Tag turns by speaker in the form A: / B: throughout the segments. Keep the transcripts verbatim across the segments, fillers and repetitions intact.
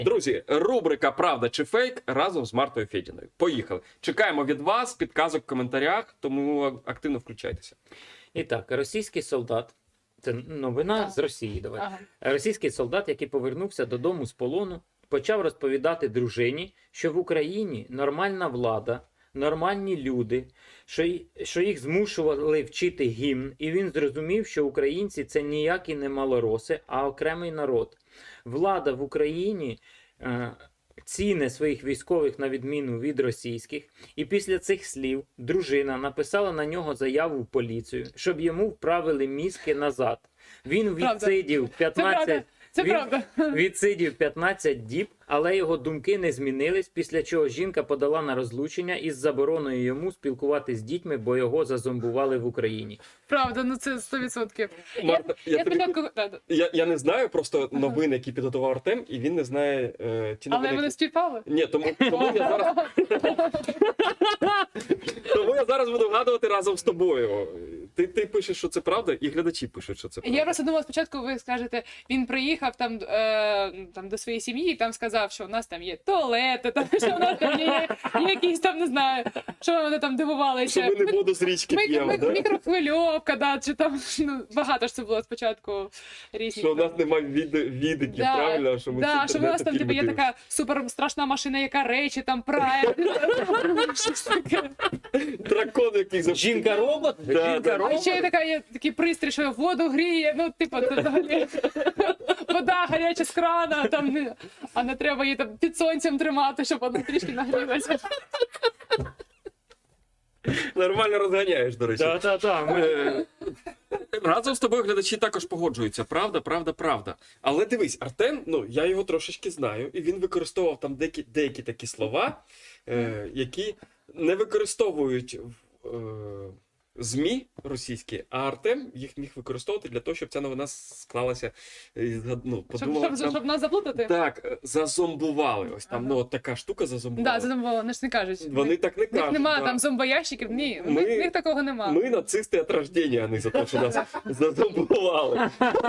A: Друзі, рубрика «Правда чи фейк» разом з Мартою Федіною. Поїхали. Чекаємо від вас підказок в коментарях, тому активно включайтеся.
B: І так, російський солдат, це новина
C: Так.
B: з Росії, давай.
C: Ага.
B: Російський солдат, який повернувся додому з полону, почав розповідати дружині, що в Україні нормальна влада, нормальні люди, що, й- що їх змушували вчити гімн, і він зрозумів, що українці – це ніякі не малороси, а окремий народ. Влада в Україні е, ціни своїх військових на відміну від російських, і після цих слів дружина написала на нього заяву в поліцію, щоб йому вправили мізки назад. Він
C: Правда.
B: відсидів
C: Це
B: п'ятнадцять...
C: правда. Це
B: Він
C: правда.
B: відсидів п'ятнадцять діб, але його думки не змінились, після чого жінка подала на розлучення із забороною йому спілкуватися з дітьми, бо його зазомбували в Україні.
C: Правда, ну це сто відсотків.
A: Марта, я,
C: Я
A: тобі-
C: спочатку... да, да.
A: я, я не знаю просто новини, які підготував Артем, і він не знає е, ті новини.
C: Але вони
A: які-
C: співпали.
A: Ні, тому, тому, я зараз... тому я зараз буду вгадувати разом з тобою. Ти, ти пишеш, що це правда, і глядачі пишуть, що це правда.
C: Я просто думала, спочатку ви скажете, він приїхав там, е, там до своєї сім'ї і там сказав, що у нас там є туалети, там, що у нас там є, є якісь там, не знаю, що вони там дивувалися.
A: Що ми не воду з річки
C: Ми-
A: п'ємо,
C: ми-
A: да?
C: Мікрохвильовка, да, чи там, ну, багато ж це було спочатку різні.
A: Що у нас немає від, відиків,
C: Да,
A: правильно? Що ми
C: да,
A: з
C: що у нас
A: інтернету
C: там типу, є
A: фільми
C: така супер страшна машина, яка речі там прає. Щось таке.
A: дивимося. Дракон, який за
B: Жінка-робот?
A: Да, да.
C: А
B: Жінка-робот?
C: ще є така є такий пристрій, що воду гріє, ну, типу, це взагалі вода гаряча з крана, там, не- а не треба її там під сонцем тримати, щоб вона трішки нагрілася.
A: нормально розганяєш, до речі.
B: Так, так, так.
A: Е, Разом з тобою глядачі також погоджуються. Правда, правда, правда. Але дивись, Артем, ну я його трошечки знаю, і він використовував там деякі, деякі такі слова, е, які не використовують в е, ЗМІ російські, а Артем їх міг використовувати для того, щоб ця новина склалася. і згад- Ну,
C: Щоб,
A: подумала,
C: щоб,
A: там,
C: щоб нас заплутати?
A: так, е, зазомбували. Ось там,
C: Ага.
A: ну, от така штука зазомбувала.
C: Да, це там було, вони ж не кажуть.
A: Вони так не
C: В них
A: кажуть.
C: нема
A: да.
C: там зомбоящиків, ні, в
A: Ми-
C: них, в них такого нема.
A: Ми нацисти від рождения, а не за те, що нас зазомбували.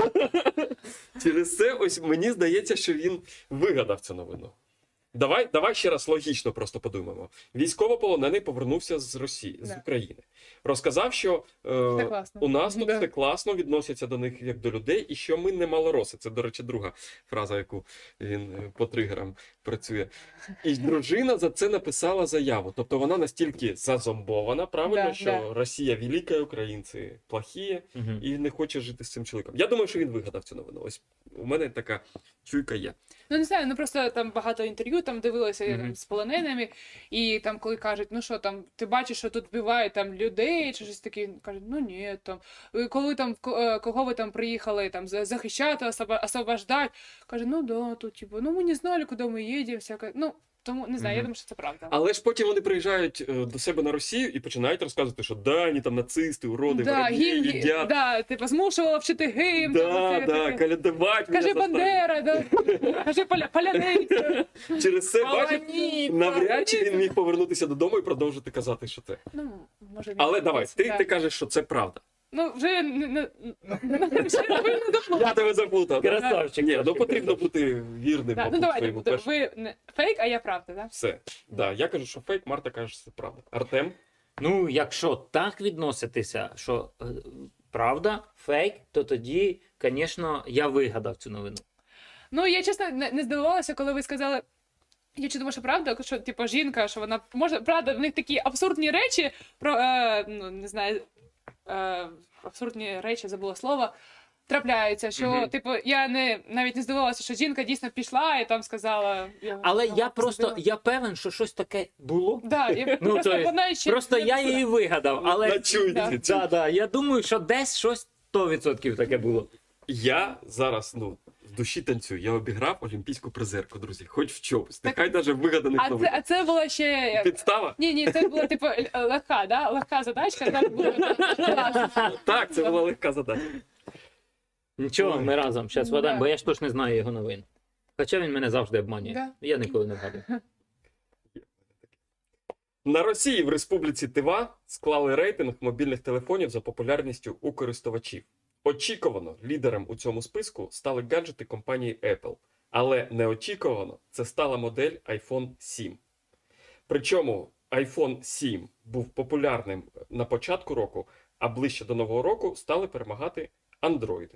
A: Через це ось мені здається, що він вигадав цю новину. Давай, давай ще раз логічно просто подумаємо. Військовополонений повернувся з Росії, з
C: Да.
A: України. Розказав, що е,
C: Все класно.
A: у нас тут
C: Да.
A: все класно, відносяться до них як до людей, і що ми не малороси. Це, до речі, друга фраза, яку він е, по тригерам працює. І дружина за це написала заяву. Тобто вона настільки зазомбована, правильно,
C: Да,
A: що
C: да.
A: Росія велика, українці плохі,
B: Мгм.
A: і не хоче жити з цим чоловіком. Я думаю, що він вигадав цю новину. Ось у мене така чуйка є.
C: Ну не знаю, ну просто там багато інтерв'ю там дивилися
B: Мгм.
C: там, з полоненими, і там коли кажуть, ну що там, ти бачиш, що тут вбивають там людей, чи щось таке, кажуть, ну ні, там «Е, коли там ко- е, кого ви там приїхали там за- захищати, особа- освобождати, каже, ну да, тут типу, ну ми не знали, куди ми їдемо, всяке. Ну тому не знаю, я
B: Мгм.
C: думаю, що це правда.
A: Але ж потім вони приїжджають е, до себе на Росію і починають розказувати, що да, вони там нацисти, уроди,
C: Да,
A: вороги,
C: гімн,
A: їдять.
C: да, типу, змушувала вчити гімн.
A: Да,
C: там, оце
A: да,
C: таке.
A: калядувати.
C: Кажи
A: мене
C: Бандера, да. Кажи поля, поляниця.
A: заставили. Через це, бачиш,
C: Полоніця.
A: навряд чи він міг повернутися додому і продовжити казати, що це.
C: Ну, може, він
A: Але давай,
C: десь,
A: ти,
C: да.
A: ти кажеш, що це правда.
C: Ну, вже не, не, не, вже ви не доплутали.
A: Я тебе заплутав. да?
B: Красавчик.
A: Ні, ну
B: трошки
A: потрібно бути вірним,
C: Да, ну
A: мабуть,
C: давайте,
A: своєму
C: буде.
A: першому.
C: Ви не фейк, а я правда, да?
A: Все. Да, я кажу, що фейк, Марта каже, що це правда. Артем?
B: Ну, якщо так відноситися, що е, правда, фейк, то тоді, звісно, я вигадав цю новину.
C: Ну, я чесно не, не здивувалася, коли ви сказали. Я чи думаю, що правда, що типу жінка, що вона може, правда, в них такі абсурдні речі про е, ну не знаю, е, абсурдні речі, забула слово. Трапляються, що
A: Мгм.
C: типу я не навіть не здивувалася, що жінка дійсно пішла і там сказала. Я,
B: Але
C: ну,
B: я просто,
C: зробила.
B: я певен, що щось таке було.
C: Да, і
B: Ну,
C: просто
B: то є,
C: вона ще
B: Просто
C: не
B: я
C: пішла.
B: її вигадав, але
A: На чуйці.
C: Да.
B: да, да, я думаю, що десь щось сто відсотків таке було.
A: Я зараз, ну, в душі танцюю. Я обіграв олімпійську призерку, друзі. Хоч в чомусь. Нехай навіть вигаданих
C: А це,
A: новин.
C: а це була ще
A: Підстава?
C: ні, ні, це була типу л- легка, да? Легка задачка. Там було класно.
A: Так, це була легка задача.
B: Нічого, ми разом зараз
C: Ну,
B: вгадаємо,
C: да.
B: бо я ж точно не знаю його новин. Хоча він мене завжди обманює.
C: Да.
B: Я ніколи не вгадую.
A: На Росії в Республіці Тива склали рейтинг мобільних телефонів за популярністю у користувачів. Очікувано лідером у цьому списку стали гаджети компанії Apple. Але неочікувано це стала модель айфон сім. Причому айфон сім був популярним на початку року, а ближче до Нового року стали перемагати андроїди.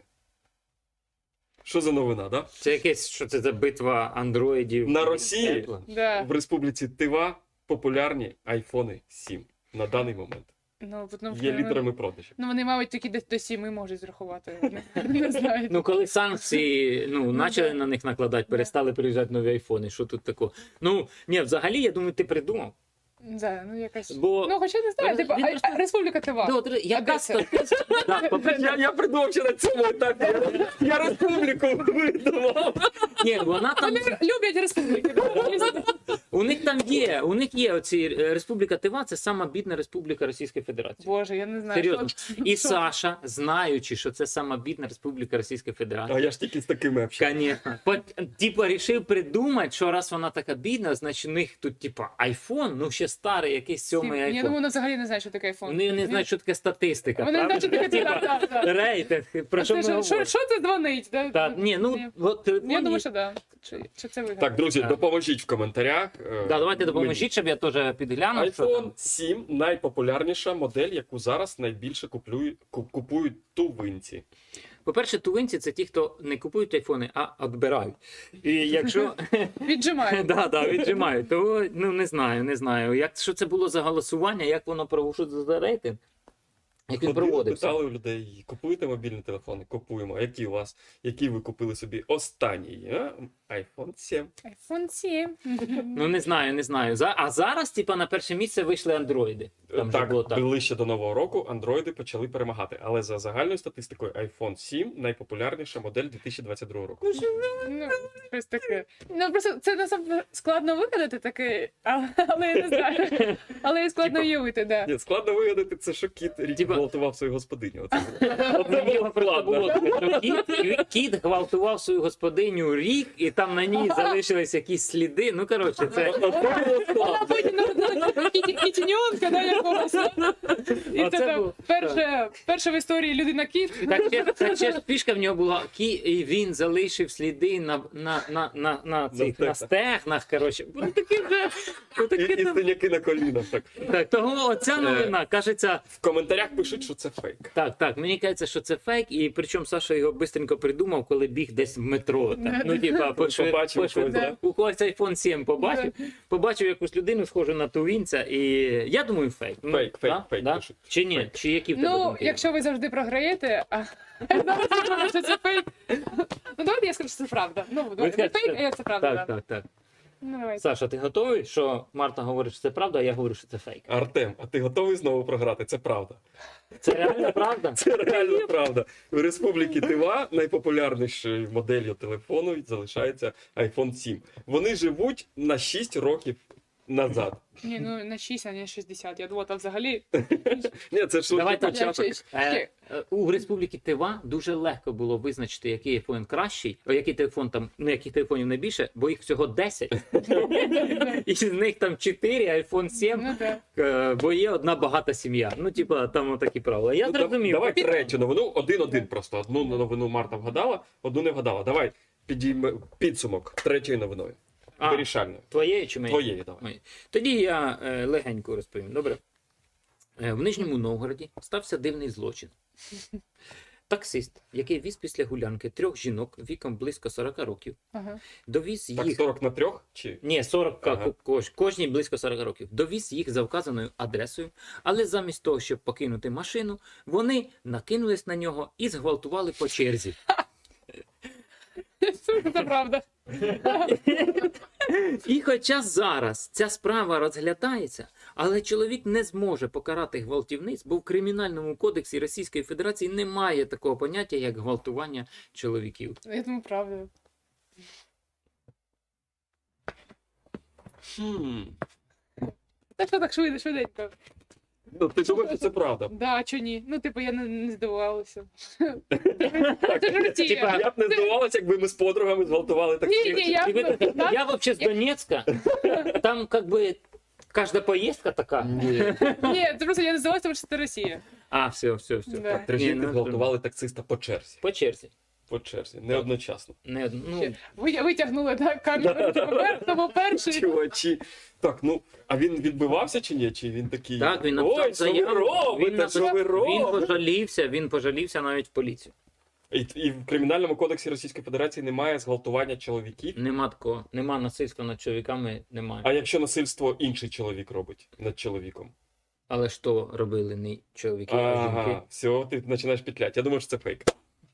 A: Що за новина, да?
B: Це якесь, що це за битва андроїдів?
A: На Росії
B: Apple?
C: Да.
A: в Республіці Тива популярні айфони сім на даний момент.
C: Ну, тому,
A: Є
C: що,
A: лідерами продажів.
C: ну, вони, мабуть, тільки до, до сіми можуть зрахувати. Вони не знаю.
B: Ну, коли санкції ну, почали
C: да.
B: на них накладати, перестали приїжджати нові айфони, що тут такого? Ну, ні, взагалі, я думаю, ти придумав.
C: Да, ну, якась...
B: Бо
C: Ну, хоча не знаю,
B: Він
C: типу, а-
B: просто-
C: а Республіка Тива.
B: Да, от, яка
C: Одеса.
B: статистика? Да, по-перше,
A: Я, я придумав ще на цьому етапі. Я, я республіку видумав.
B: ні, вона там,
C: Вони люблять республіки. да?
B: у них там є, у них є оці е, Республіка Тива, це сама бідна республіка Російської Федерації.
C: Боже, я не знаю.
B: Серйозно.
C: що-
B: І
C: що-
B: Саша, знаючи, що це сама бідна республіка Російської Федерації,
A: А я ж тільки з такими общаюсь.
B: Конечно. По- Типа рішив придумати, що раз вона така бідна, значить у них тут, типа, айфон, ну ще старий, якийсь сьомий
C: Я
B: айфон.
C: думаю, вона взагалі не знає, що таке айфон.
B: Вони не знають, що таке статистика.
C: Вони не знають, що таке
B: Типа,
C: так, так, так.
B: рейтинг. Про
C: А
B: що
C: це
B: ми
C: що, що,
B: говоримо?
C: що це дзвонить? Да?
B: Так, ні, ну,
C: Ні.
B: от телефон
C: Я
B: є.
C: думаю, що да. Чи, чи це вигадано?
A: Так, друзі,
B: Так.
A: допоможіть в коментарях. е,
B: Да, давайте
A: мені.
B: допоможіть, щоб я теж підглянув. що
A: iPhone
B: там.
A: сім найпопулярніша модель, яку зараз найбільше куплюють, ку- купують тувинці.
B: По-перше, тувинці це ті, хто не купують айфони, а відбирають. І якщо
C: Віджимає.
B: да, да, віджимають, то ну не знаю, не знаю. Як що це було за голосування, як воно проводилося за рейтинг? Як він
A: Ходили,
B: проводився?
A: питали у людей, купуєте мобільні телефони? Купуємо. А які у вас? Які ви купили собі останній? А? айфон сім.
C: айфон сім.
B: Ну не знаю, не знаю. За- А зараз, типа, на перше місце вийшли андроїди. Там же
A: так,
B: було так.
A: ближче до Нового року андроїди почали перемагати. Але за загальною статистикою айфон сім найпопулярніша модель дві тисячі двадцять другого року.
C: Ну, щось таке. Ну, просто це насправді складно вигадати таке, але, але я не знаю. Але і складно
A: Типа-
C: уявити, да.
A: Ні, складно вигадати, це що кіт рік
B: Типа-
A: гвалтував свою господиню. Оце,
B: У
A: оце було
B: нього просто
A: складно.
B: було таке, що кіт, кіт гвалтував свою господиню рік, і там на ній залишились якісь сліди. Ну, коротше, це.
A: Оце було
C: Вона
A: складно.
C: потім народила кітіньонка, да, якогось. І
B: Оце
C: це там
B: було-
C: перше, перше в історії людина-кіт.
B: Так ще, так ще ж фішка в нього була, кі, і він залишив сліди на, на, на, на, на, цих, на
A: стегнах.
B: стегнах, коротше. Ну, таке вже, ну,
A: І,
B: таке
A: і
B: там.
A: синяки на колінах. Так.
B: Так, того оця новина, кажеться,
A: В коментарях пишуть, що це фейк.
B: так, так, мені кажеться, що це фейк, і причому Саша його бистренько придумав, коли біг десь в метро. Так. Ну, типа, пошвид,
A: Побачив
B: пошвид,
A: когось, да?
B: у когось айфон сім побачив, побачив якусь людину, схожу на тувінця, і я думаю, фейк. Ну,
A: Фейк, фейк,
B: да?
A: фейк
B: Да?
A: пишуть.
B: Чи ні?
A: Фейк.
B: Чи які в тебе
C: Ну,
B: думки?
C: якщо ви завжди програєте, а зараз я думаю, що це фейк. Ну, давайте я скажу, що це правда. Ну, давайте
B: скажете,
C: фейк, а я це правда.
B: Так,
C: да.
B: так, так.
C: Ну, давайте.
B: Саша, ти готовий, що Марта говорить, що це правда, а я говорю, що це фейк?
A: Артем, а ти готовий знову програти? Це правда.
B: Це реально правда?
A: Це реально правда. У Республіки Тива найпопулярнішою моделлю телефону залишається айфон сім. Вони живуть на шість років назад.
C: Ні, ну на шість, а не шістдесят. Я думала, там взагалі.
A: Ні, це ж
B: Давай
A: лише
B: так.
A: початок.
B: Е, е, У Республіки Тива дуже легко було визначити, який айфон кращий, о, який телефон там, ну яких телефонів найбільше, бо їх всього десять. І з них там чотири, айфон сім,
C: Ну, так.
B: е, бо є одна багата сім'я. Ну, типа, там такі правила. Я
A: Ну, да-
B: зрозумів.
A: Давай третю новину, один-один просто. Одну новину Марта вгадала, одну не вгадала. Давай підійме підсумок третьою новиною.
B: А,
A: Вирішальною.
B: твоєї чи моєї?
A: Твоєї давай.
B: Моєї. Тоді я е, легенько розповім. Добре. Е, в Нижньому Новгороді стався дивний злочин. Таксист, який віз після гулянки трьох жінок віком близько сорока років,
C: Ага.
B: довіз
A: Так,
B: їх.
A: сорок на трьох? Чи?
B: Ні, сорок
A: Ага.
B: кож, кожній близько сорока років. Довіз їх за вказаною адресою, але замість того, щоб покинути машину, вони накинулись на нього і зґвалтували по черзі.
C: Це правда.
B: І хоча зараз ця справа розглядається, але чоловік не зможе покарати гвалтівниць, бо в Кримінальному кодексі Російської Федерації немає такого поняття, як гвалтування чоловіків.
C: Я думаю, правда.
A: Хм.
C: Так що так швидко, швиденько.
A: Ну, ти думаєш, що це правда?
C: Да, а чо ні? Ну, типу, я не, не здивувалася. Це ж Росія.
B: Типа,
A: Я б не здивувалася, якби ми з подругами зґвалтували
C: Ні,
A: таксі.
C: ні, я
B: И вы-
C: Да?
B: я вообще с Донецка, там как бы каждая поездка такая.
C: Ні, це просто я не здивувалася, тому що це Росія.
B: А, все, все, все.
C: Да.
A: Три
B: Ні,
A: жінки
B: ну,
A: зґвалтували таксиста по черзі.
B: По черзі.
A: по черзі, не одночасно.
B: Не, ну,
C: Ви витягнули так, камеру, тому перший.
A: Чувачі. Так, ну, а він відбивався чи ні? Чи він такий.
B: так, він написав
A: Ой, що ви
B: заяву,
A: робите,
B: він,
A: що ви
B: написав, він
A: робите?
B: пожалівся, він пожалівся навіть в поліцію.
A: І, і в Кримінальному кодексі Російської Федерації немає зґвалтування чоловіків.
B: Нема такого, нема насильства над чоловіками, немає.
A: А якщо насильство інший чоловік робить над чоловіком?
B: Але ж то робили не чоловіки, а жінки.
A: Ага, все, ти починаєш петлять. Я думаю, що це фейк.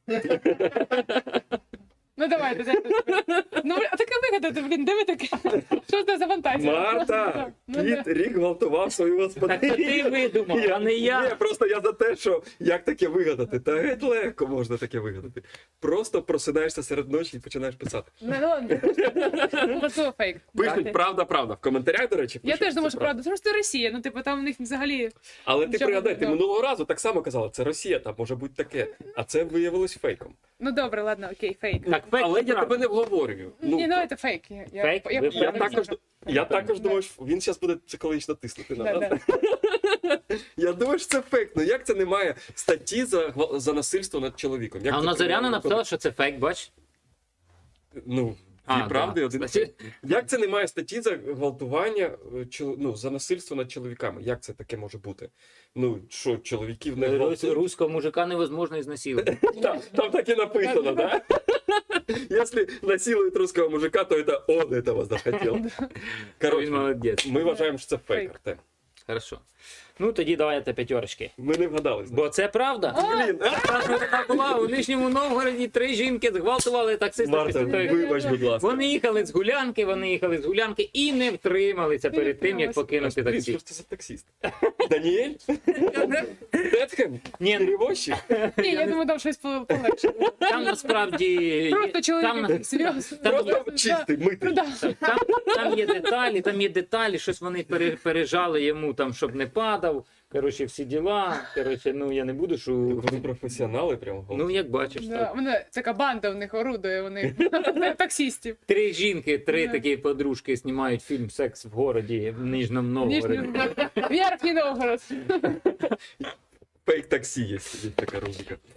C: Ну давайте, дайте. Ну, а таке вигадати, блін, де ви таке? Що це за фантазія?
A: Марта!
C: Ну,
A: Кіт
C: да.
A: рік гвалтував свою
B: Так це
A: господиню.
B: ти видумав, а не
A: Ні,
B: я.
A: просто я за те, що як таке вигадати. Та геть легко можна таке вигадати. Просто просинаєшся серед ночі і починаєш писати.
C: Ну, ну, ладно. Можливо, фейк.
A: Пишуть правда, правда. В коментарях, до речі,
C: Я
A: пишуть,
C: теж думаю,
A: це
C: що правда. Тому що це Росія, ну типу там у них взагалі.
A: Але ти
C: Нічого
A: пригадай,
C: не
A: ти
C: знаю.
A: минулого разу так само казала, це Росія, там може бути таке. А це виявилось фейком.
C: Ну добре, ладно, окей, фейк.
B: Так, фейк
A: Але
B: це
A: я
B: правда.
A: тебе не вговорюю.
C: Ні, ну це фейк. Я, я,
B: Фейк?
C: Я,
B: Ви
C: я,
A: Я також, я також думаю, що він зараз буде психологічно тиснути на
C: Да,
A: нас.
C: да.
A: Я думаю, що це фейк. Ну як це немає статті за, гва- за насильство над чоловіком? Як
B: А
A: це
B: вона Зоряна
A: кримінальний
B: написала, що це фейк, бач?
A: кодекс? Ну,
B: А,
A: дві правди,
B: да.
A: один
B: Значить-
A: фейк. Як це немає статті за гвалтування, е, чол- ну, за насильство над чоловіками? Як це таке може бути? Ну, що, чоловіків не
B: Рус-
A: гвалтують?
B: Руського мужика невозможно изнасиловать.
A: Там, там так і написано, да? Если насилуют русского мужика, то это он этого захотел.
B: Він
A: Коротше,
B: молодець.
A: ми вважаємо, що це фейк,
C: Фейк.
A: Артем.
B: Хорошо. Ну тоді давайте п'ятерочки.
A: Ми не вгадали.
B: Бо це правда.
A: Блін, а?
B: Така така була у Нижньому Новгороді три жінки зґвалтували таксиста.
A: Марта,
B: після того, як-
A: вибач, будь ласка.
B: Вони їхали з гулянки, вони їхали з гулянки і не втрималися
C: Не
B: перед тим, як
C: втрималися.
B: покинути
A: Блін, що
B: таксі.
A: ж це за таксист? Даніель? Тетхем?
B: Ні, ну,
A: Перевозчик?
C: Ні, я думаю, там щось по- полегше.
B: там насправді
C: Просто
B: є- там,
C: чоловік серйозно.
B: там є-
A: Просто чистий,
C: Ну
A: митий.
C: да.
B: там, там є деталі, там є деталі, щось вони пере- пережали йому, там, щоб не падав. Коротше, всі діла. Коротше, ну я не буду, що.
A: Вони професіонали прямо.
B: Ну, як бачиш,
C: Да,
B: так.
C: Вони, така банда в них орудує, вони таксістів.
B: Три жінки, три
C: Да.
B: такі подружки знімають фільм Секс в городі в Нижньому Новгороді.
C: Нижній Верхній Новгород.
A: Фейк таксі є, є така рубрика.